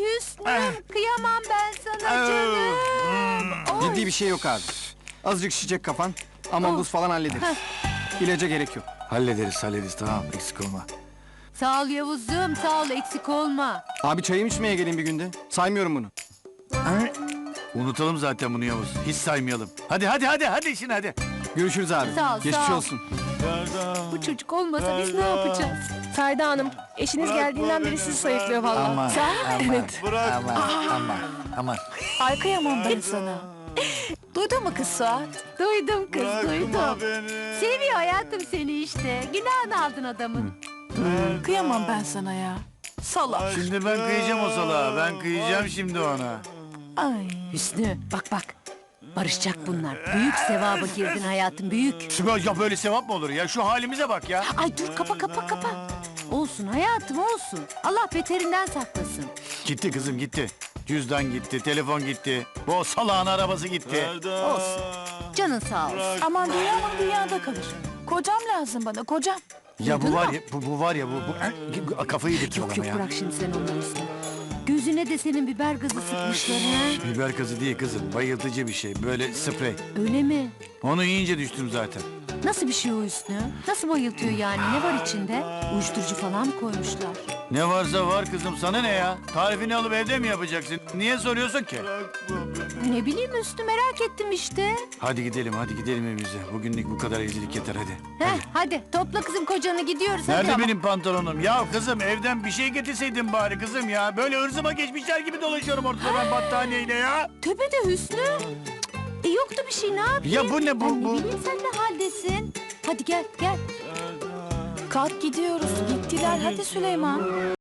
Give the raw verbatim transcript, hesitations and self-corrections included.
Hüsnü, kıyamam ben sana canım. Ciddi bir şey yok abi. Azıcık şişecek kafan ama buz falan hallederiz. İlaca gerek yok. Hallederiz hallederiz tamam eksik olma. Sağ ol Yavuz'um, sağ ol, eksik olma. Abi çayım içmeye geleyim bir günde. Saymıyorum bunu. Unutalım zaten bunu Yavuz. Hiç saymayalım. Hadi hadi hadi hadi işine hadi. Görüşürüz abi. Sağ ol, Geçmiş sağ ol. olsun. Bu çocuk olmasa biz ne yapacağız? Ferda Hanım, eşiniz geldiğinden beri sizi sayıklıyor vallahi. Aman, Sahi mi? Evet. Aman aman aman. Ay kıyamam ben sana. Duydun mu kız Suat? Duydum kız, duydum. Seviyor hayatım seni işte. Günahını aldın adamın. Kıyamam ben sana ya. Salak. Şimdi ben kıyacağım o salağa. Ben kıyacağım şimdi ona. Ay. Hüsnü, bak bak. Barışacak bunlar. Büyük sevaba girdin hayatım, büyük. Sibel ya böyle sevap mı olur ya? Şu halimize bak ya. Ay dur, kapa kapa kapa. Olsun hayatım, olsun. Allah beterinden saklasın. Gitti kızım gitti. Cüzdan gitti, telefon gitti. Bu salağın arabası gitti. Olsun. Canın sağ olsun. Aman dünyamın dünyada kalır. Kocam lazım bana, kocam. Ya bu Duydun var mu? ya, bu, bu var ya bu, bu kafayı yedirtiyor Yok adama yok, ya. bırak şimdi sen onları Hüsnü. Gözüne de senin biber gazı sıkmışlar ha. Biber gazı değil kızım, bayıltıcı bir şey. Böyle sprey. Öyle mi? Onu yiyince düştüm zaten. Nasıl bir şey o Hüsnü? Nasıl bayıltıyor yani? Ne var içinde? Uyuşturucu falan mı koymuşlar? Ne varsa var kızım, sana ne ya? Tarifini alıp evde mi yapacaksın? Niye soruyorsun ki? Ne bileyim Hüsnü, merak ettim işte. Hadi gidelim, hadi gidelim evimize. Bugünlük bu kadar evlilik yeter hadi. Heh, hadi topla kızım kocanı, gidiyoruz hadi. Nerede ama. benim pantolonum? Ya kızım evden bir şey getirseydin bari kızım ya. Böyle ırzıma geçmişler gibi dolaşıyorum ortada ben battaniyeyle ya. Tövbe de Hüsnü. E yoktu bir şey, ne yapayım? Ya bu ne bu- Ben bu? ne bileyim sen ne haldesin? Hadi gel gel. Kalk gidiyoruz. Gittiler hadi Süleyman.